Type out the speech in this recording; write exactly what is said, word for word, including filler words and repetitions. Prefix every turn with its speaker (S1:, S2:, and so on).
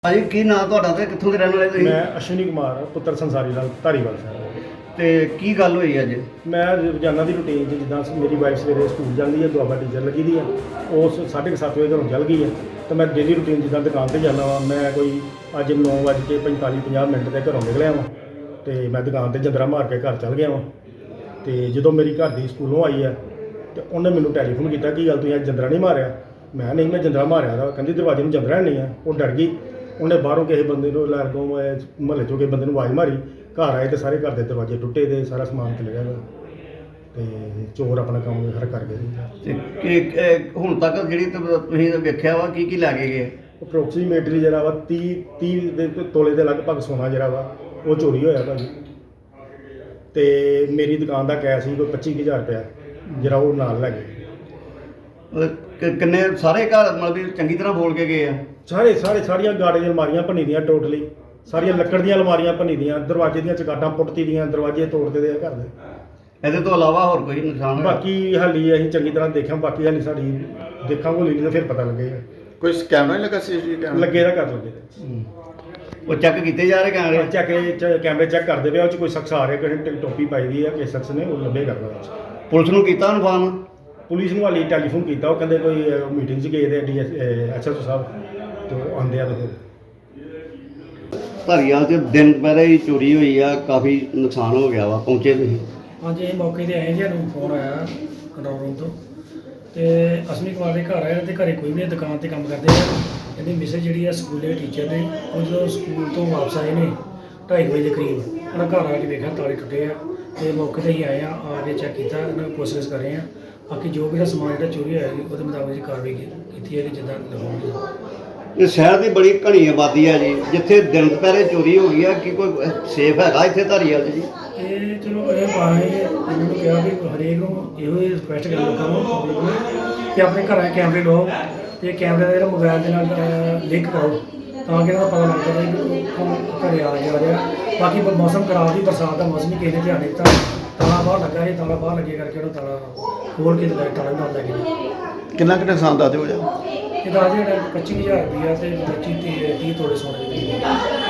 S1: ਭਾਜੀ ਕੀ ਨਾਂ ਤੁਹਾਡਾ ਤੇ ਕਿੱਥੋਂ ਦੇ ਰਹਿਣ ਵਾਲੇ ਤੁਸੀਂ?
S2: ਮੈਂ ਅਸ਼ਵਨੀ ਕੁਮਾਰ ਪੁੱਤਰ ਸੰਸਾਰੀ ਲਾਲ ਧਾਰੀਵਾਲ ਸਾਹਿਬ।
S1: ਤੇ ਕੀ ਗੱਲ ਹੋਈ ਅੱਜ?
S2: ਮੈਂ ਰੋਜ਼ਾਨਾ ਦੀ ਰੂਟੀਨ 'ਚ ਜਿੱਦਾਂ ਮੇਰੀ ਵਾਈਫ ਸਵੇਰੇ ਸਕੂਲ ਜਾਂਦੀ ਹੈ, ਦੁਆਬਾ ਟੀਚਰ ਲੱਗੀ ਦੀ ਆ, ਉਸ ਸਾਢੇ ਕੁ ਸੱਤ ਵਜੇ ਘਰੋਂ ਚੱਲ ਗਈ ਹੈ। ਤਾਂ ਮੈਂ ਡੇਲੀ ਰੂਟੀਨ ਜਿੱਦਾਂ ਦੁਕਾਨ 'ਤੇ ਜਾਂਦਾ ਵਾਂ, ਮੈਂ ਕੋਈ ਅੱਜ ਨੌ ਵੱਜ ਕੇ ਪੰਤਾਲੀ ਪੰਜਾਹ ਮਿੰਟ ਦੇ ਘਰੋਂ ਨਿਕਲਿਆ ਵਾਂ ਅਤੇ ਮੈਂ ਦੁਕਾਨ 'ਤੇ ਜੰਦਰਾ ਮਾਰ ਕੇ ਘਰ ਚੱਲ ਗਿਆ ਵਾਂ। ਅਤੇ ਜਦੋਂ ਮੇਰੀ ਘਰ ਦੀ ਸਕੂਲੋਂ ਆਈ ਹੈ ਅਤੇ ਉਹਨੇ ਮੈਨੂੰ ਟੈਲੀਫੋਨ ਕੀਤਾ, ਕੀ ਗੱਲ ਤੁਸੀਂ ਅੱਜ ਜੰਦਰਾ ਨਹੀਂ ਮਾਰਿਆ? ਮੈਂ ਨਹੀਂ, ਮੈਂ ਜੰਦਰਾ ਮਾਰਿਆ ਦਾ। ਕਹਿੰਦੀ ਦਰਵਾਜ਼ੇ ਨੂੰ ਜੰਦਰਾ ਨਹੀਂ ਆ। ਉਹ ਡਰ ਗਈ। ਉਹਨੇ ਬਾਹਰੋਂ ਕਿਸੇ ਬੰਦੇ ਨੂੰ ਲਾਗੋਂ ਮੁਹੱਲੇ 'ਚੋਂ ਕਿਸੇ ਬੰਦੇ ਨੂੰ ਆਵਾਜ਼ ਮਾਰੀ। ਘਰ ਆਏ ਤਾਂ ਸਾਰੇ ਘਰ ਦੇ ਦਰਵਾਜ਼ੇ ਟੁੱਟੇ ਤੇ ਸਾਰਾ ਸਮਾਨ ਖਿਲ ਗਿਆ ਤੇ ਚੋਰ ਆਪਣਾ ਕੰਮ ਹਰ ਕਰ ਗਏ ਜੀ।
S1: ਤੇ ਕਿ ਹੁਣ ਤੱਕ ਜਿਹੜੀ ਤੁਸੀਂ ਵੇਖਿਆ ਵਾ ਕੀ ਕੀ ਲੈ ਕੇ ਗਏ?
S2: ਅਪਰੋਕਸੀਮੇਟਲੀ ਜਿਹੜਾ ਵਾ ਤੀਹ ਤੀਹ ਦੇ ਤੋਲੇ ਦੇ ਲਗਭਗ ਸੋਨਾ ਜਿਹੜਾ ਵਾ ਉਹ ਚੋਰੀ ਹੋਇਆ ਭਾਜੀ। ਤੇ ਮੇਰੀ ਦੁਕਾਨ ਦਾ ਕੈਸ਼ ਸੀ ਕੋਈ ਪੱਚੀ ਹਜ਼ਾਰ ਰੁਪਇਆ ਜਿਹੜਾ ਉਹ ਨਾਲ ਲੈ ਗਏ।
S1: ਕਿ- ਕਿੰਨੇ ਸਾਰੇ ਘਰ ਮਤਲਬ ਵੀ ਚੰਗੀ ਤਰ੍ਹਾਂ ਬੋਲ ਕੇ ਗਏ ਆ?
S2: ਸਾਰੇ ਸਾਰੇ ਸਾਰੀਆਂ ਗਾੜੇ ਦੀਆਂ ਅਲਮਾਰੀਆਂ ਭੰਨੀ ਦੀਆਂ, ਟੋਟਲੀ ਸਾਰੀਆਂ ਲੱਕੜ ਦੀਆਂ ਅਲਮਾਰੀਆਂ ਭੰਨੀ ਦੀਆਂ, ਦਰਵਾਜ਼ੇ ਦੀਆਂ ਚਗਾਟਾਂ ਪੁੱਟਤੀ ਦੀਆਂ, ਦਰਵਾਜ਼ੇ ਤੋੜਦੇ ਦੇ ਘਰ ਦੇ।
S1: ਇਹਦੇ ਤੋਂ ਇਲਾਵਾ ਹੋਰ ਕੋਈ ਨੁਕਸਾਨ ਹੋਇਆ?
S2: ਬਾਕੀ ਹਾਲੀ ਅਸੀਂ ਚੰਗੀ ਤਰ੍ਹਾਂ ਦੇਖਿਆ, ਬਾਕੀ ਹਾਲੀ ਸਾਡੀ ਦੇਖਾਂਗੇ ਨਹੀਂ ਤਾਂ ਫਿਰ ਪਤਾ ਲੱਗੇਗਾ।
S3: ਕੋਈ ਕੈਮਰਾ ਨਹੀਂ ਲੱਗਾ ਸੀਸੀਟੀਵੀ ਕੈਮਰਾ?
S2: ਲੱਗੇ ਦਾ ਕਰ ਲੱਗੇ
S1: ਉਹ ਚੈੱਕ ਕੀਤੇ ਜਾ ਰਹੇ ਕੈਮਰੇ?
S2: ਚੈੱਕ ਕੈਮਰੇ ਚੈੱਕ ਕਰਦੇ ਪਿਆ, ਉਹ 'ਚ ਕੋਈ ਸ਼ਖਸ ਆ ਰਿਹਾ, ਕਿਸੇ ਟੋਪੀ ਪਾਈ ਦੀ ਆ, ਕਿਸੇ ਸ਼ਖਸ ਨੇ ਉਹ ਲੱਭੇ ਕਰਦਾ ਵਿੱਚ।
S1: ਪੁਲਿਸ ਨੂੰ ਕੀਤਾ ਇਨਫਾਰਮ?
S2: ਪੁਲਿਸ ਨੂੰ ਹਾਲੀ ਟੈਲੀਫੋਨ ਕੀਤਾ, ਉਹ ਕਹਿੰਦੇ ਕੋਈ ਮੀਟਿੰਗ 'ਚ ਗਏ ਦੇ ਡੀ ਐਸ ਐਸ ਓ ਸਾਹਿਬ ਤੇ ਉਹ ਆਉਂਦੇ ਆ। ਤੇ ਫਿਰ
S1: ਧਾਰੀਵਾਲ 'ਚ ਦਿਨ ਦੁਪਹਿਰੇ ਹੀ ਚੋਰੀ ਹੋਈ ਆ, ਕਾਫੀ ਨੁਕਸਾਨ ਹੋ ਗਿਆ ਵਾ, ਪਹੁੰਚੇ ਤੁਸੀਂ?
S4: ਹਾਂਜੀ, ਇਹ ਮੌਕੇ 'ਤੇ ਆਏ ਜੀ। ਸਾਨੂੰ ਫੋਨ ਆਇਆ ਕੰਟਰੋਲ ਰੂਮ ਤੋਂ ਤੇ ਅਸ਼ਵਨੀ ਕੁਮਾਰ ਦੇ ਘਰ ਆਏ ਤੇ ਘਰੇ ਕੋਈ ਵੀ ਨਹੀਂ, ਦੁਕਾਨ 'ਤੇ ਕੰਮ ਕਰਦੇ ਆ। ਇਹਦੀ ਮਿਸੇਜ ਜਿਹੜੀ ਆ ਸਕੂਲੇ ਟੀਚਰ ਨੇ, ਉਹ ਜਦੋਂ ਸਕੂਲ ਤੋਂ ਵਾਪਸ ਆਏ ਨੇ ਢਾਈ ਵਜੇ ਦੇ ਕਰੀਬ, ਉਹਨਾਂ ਘਰ ਆ ਕੇ ਵੇਖਿਆ ਤਾਲੇ ਟੁੱਟੇ ਆ ਤੇ ਮੌਕੇ 'ਤੇ ਹੀ ਆਏ ਆ, ਆ ਕੇ ਚੈੱਕ ਕੀਤਾ, ਇਹਨਾਂ ਨੂੰ ਪੁੱਛਗਿੱਛ ਕਰ ਰਹੇ ਆ। ਬਾਕੀ ਜੋ ਵੀ ਸਮਾਨ ਜਿਹੜਾ ਚੋਰੀ ਹੋਇਆ ਜੀ ਉਹਦੇ ਮੁਤਾਬਕ ਜੀ ਕਾਰਵਾਈ ਕੀਤੀ ਹੈ ਕਿ ਜਿੱਦਾਂ ਲਗਾਉਣਗੇ।
S1: ਇਹ ਸ਼ਹਿਰ ਦੀ ਬੜੀ ਘਣੀ ਆਬਾਦੀ ਆ ਜੀ, ਜਿੱਥੇ ਦਿਨ ਦੁਪਹਿਰੇ ਚੋਰੀ ਹੋ ਗਈ ਆ, ਕਿ ਕੋਈ ਸੇਫ ਹੈਗਾ ਇੱਥੇ ਧਾਰੀਵਾਲ 'ਚ ਜੀ?
S4: ਇਹ ਚਲੋ ਇਹ ਪਾਏ ਇਹਨਾਂ ਨੂੰ ਕਿਹਾ ਵੀ ਹਰੇਕ ਨੂੰ ਇਹੋ ਹੀ ਰਿਕੁਐਸਟ ਕਰ ਲੋਕਾਂ ਨੂੰ ਪਬਲਿਕ ਨੂੰ ਕਿ ਆਪਣੇ ਘਰਾਂ 'ਚ ਕੈਮਰੇ ਲਾਓ ਤੇ ਕੈਮਰੇ ਦਾ ਜਿਹੜਾ ਮੋਬਾਈਲ ਦੇ ਨਾਲ ਲਿੰਕ ਕਰੋ ਤਾਂ ਕਿ ਇਹਨਾਂ ਦਾ ਪਤਾ ਲੱਗ ਜਾਵੇ ਕਿ ਕੌਣ ਘਰੇ ਆ ਜਾ ਰਿਹਾ। ਬਾਕੀ ਮੌਸਮ ਖਰਾਬ ਸੀ, ਬਰਸਾਤ ਦਾ ਮੌਸਮ ਹੀ ਕਿਸੇ ਨੇ ਧਿਆਨ ਨਹੀਂ ਦਿੱਤਾ। ਤਾਲਾ ਬਾਹਰ ਲੱਗਾ ਸੀ, ਤਾਲਾ ਬਾਹਰ ਲੱਗੇ ਕਰਕੇ ਉਹਨੂੰ ਤਾਲਾ ਖੋਲ੍ਹ ਕੇ ਤੇ ਤਾਲਾ ਨਾਲ ਲੈ ਕੇ।
S3: ਕਿੰਨਾ ਕੁ ਨੁਕਸਾਨ ਦੱਸ ਦਿਓ ਜਾ?
S4: ਇਹ ਦਾ ਜਿਹੜਾ ਪੱਚੀ ਹਜ਼ਾਰ ਰੁਪਈਆ ਤੇ ਪੱਚੀ ਤੀਹ ਤੋਲੇ ਸੋਨੇ ਦੇ।